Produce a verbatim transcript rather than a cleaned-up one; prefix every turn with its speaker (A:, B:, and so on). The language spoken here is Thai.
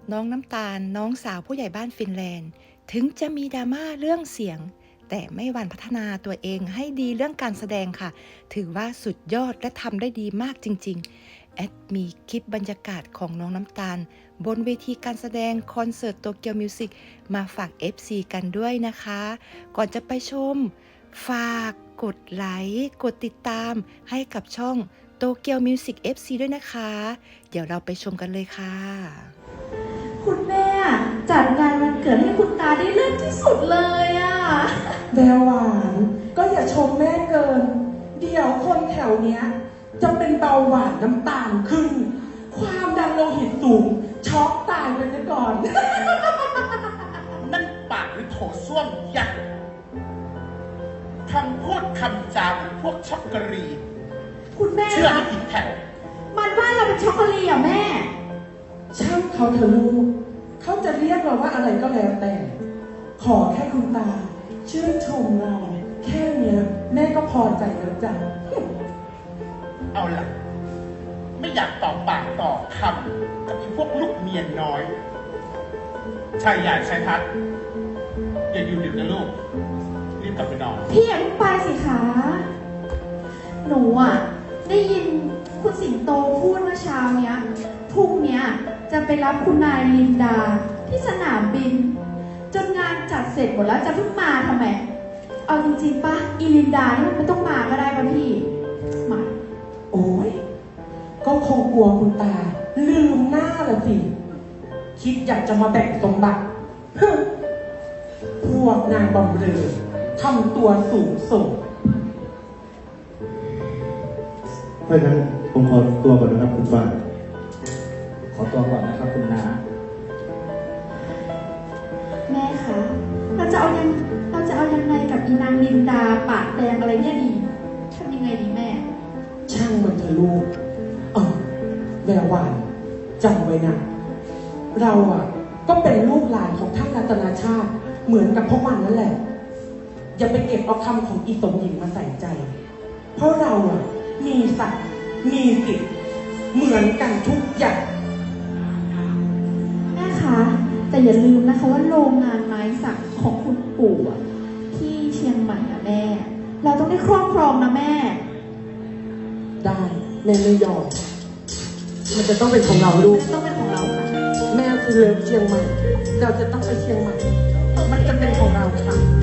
A: น้องน้ำตาลน้องสาวผู้ใหญ่บ้านฟินแลนด์ถึงจะมีดราม่าเรื่องเสียงแต่ไม่หวั่นพัฒนาตัวเองให้ดีเรื่องการแสดงค่ะถือว่าสุดยอดและทำได้ดีมากจริงๆแอดมีคลิปบรรยากาศของน้องน้ำตาลบนเวทีการแสดงคอนเสิร์ตโตเกียวมิวสิกมาฝาก เอฟ ซี กันด้วยนะคะก่อนจะไปชมฝากกดไลค์กดติดตามให้กับช่องโตเกียวมิวสิก เอฟ ซี ด้วยนะคะเดี๋ยวเราไปชมกันเลยค่ะ
B: คุณแม่จัดงานวันเกิดให้คุณตาได้เลิศที่สุดเลยอ่ะ
C: แววหวานก็อย่าชมแม่เกินเดี๋ยวคนแถวเนี้ยจะเป็นเบาหวานน้ำตาลขึ้นความดันโลหิตสูงช็อกตายไปซะก่อน
D: นั่นปากหรือโถส้วมยักษ์คำพูดคำจาเหมือนพวกช็อกโกแลต
B: คุณแม่
D: เชื่อไม่ผิดแถว
B: มันว่าเราเป็นช็อกโกแลตอ่ะแม่
C: ช่างเขาเถอะลูกเขาจะเรียกเราว่าอะไรก็แล้วแต่ ขอแค่คุณตาชื่นชมเราแค่เนี้ยแม่ก็พอใจแล้วจ้ะ
D: เอาล่ะ ไม่อยากตอบปากต่อคำกับไอ้พวกลูกเมียน้อยชายใหญ่ชายทัดอย่าอยู่ดึกนะลูก รีบกลับไปนอน
B: พี่อย่าเพิ่งไปสิคะหนูอ่ะได้ยินคุณสิงโตพูดเมื่อเช้าเนี้ยพรุ่งเนี้ยจะไปรับคุณนายลินดาที่สนามบิน จนงานจัดเสร็จหมดแล้วจะเพิ่งมาทำไมเอาจริงๆปะอีลินดานี่มันไม่ต้องมาก็ได้ป่ะพี่มา
C: โอ้ยก็คงกลัวคุณตาลืมหน้าละสิคิดอยากจะมาแบ่งสมบัติพวกนางบำเรอทำตัวสูงส่ง
E: เพราะฉะนั้นผมขอตัวก่อนนะครับคุณป้า
F: ขอตัวก่อนนะครับคุณน้า
B: แม่คะเราจะเอายังเราจะเอายังไงกับอีนางลินดาปากแดงอะไรเนี่ยดีทำยังไงดีแม่
C: ช่างมันเถอะลูกเออแวววานจำไว้นะ เราอ่ะ ก็เป็นลูกหลานของท่านรัตนาชาติ เหมือนกับพวกมันนั่นแหละ อย่าไปเก็บเอาคำของอีตงหญิงมาใส่ใจ เพราะเราอ่ะ มีศักดิ์มีสิทธิ์เหมือนกันทุกอย่าง
B: แม่คะแต่อย่าลืมนะคะว่าโรงงานไม้สักของคุณปู่อะที่เชียงใหม่อะแม่ เราต้องได้ครอบครองนะแม่
C: ได้แม่ไม่ยอมมันจะต้องเป็นของเราลูก
B: ต้องเป็นของเราค่ะ
C: แม่คือเลิฟเชียงใหม่ เราจะต้องไปเชียงใหม่ มันจะเป็นของเราค่ะ